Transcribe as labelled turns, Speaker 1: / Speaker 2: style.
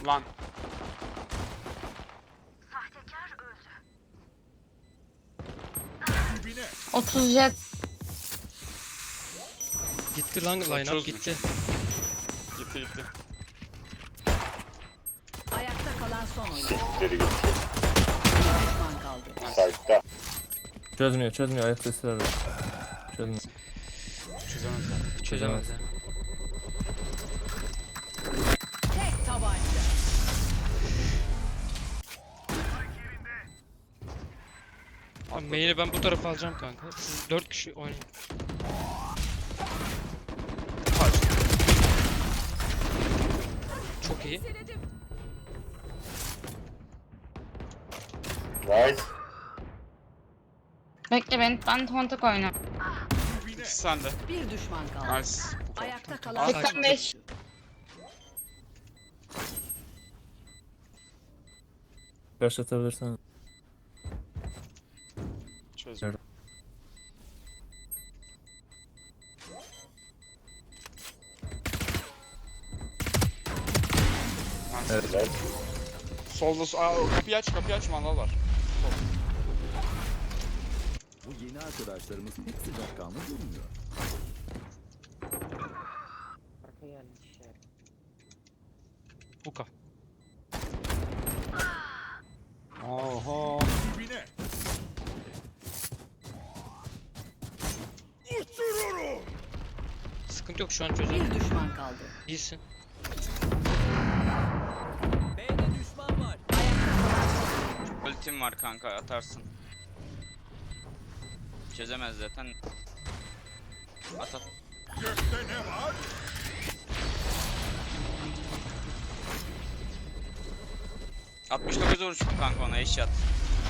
Speaker 1: Lan.
Speaker 2: 30 jet.
Speaker 3: Gitti lan line up
Speaker 1: Çözmüş.
Speaker 3: gitti.
Speaker 1: Gitti.
Speaker 4: Ayakta kalan son oyun.
Speaker 5: Sikleri gitti.
Speaker 4: Bir düşman kaldı.
Speaker 5: Site'da.
Speaker 6: Çözmüyor. Ayak sesi var. Çözmüyor.
Speaker 1: Çözemezler.
Speaker 3: Çözemez ya.
Speaker 4: Tek tabanca.
Speaker 3: Abi main'i ben bu tarafa alacağım kanka. Siz 4 kişi oynayın. Çok iyi.
Speaker 5: Nice.
Speaker 2: Bekle ben kontak oyna.
Speaker 1: İkisi sende.
Speaker 4: Bir düşman kaldı.
Speaker 1: Nice.
Speaker 4: Ayakta kalan
Speaker 3: Sakin.
Speaker 2: 85.
Speaker 6: Başlatabilirsen.
Speaker 1: Çözüm.
Speaker 6: Evet.
Speaker 5: Evet.
Speaker 1: Solda kapıyı aç mandal var.
Speaker 7: Bu yeni arkadaşlarımız pek sıcakkanlı durmuyor.
Speaker 3: Hookah.
Speaker 1: Oho.
Speaker 3: Sıkıntı yok şu an çözelim.
Speaker 4: bir düşman kaldı.
Speaker 3: İyisin.
Speaker 8: Ultim var kanka, atarsın. Çözemez zaten. At. 69 vuruş kanka ona, eşyat.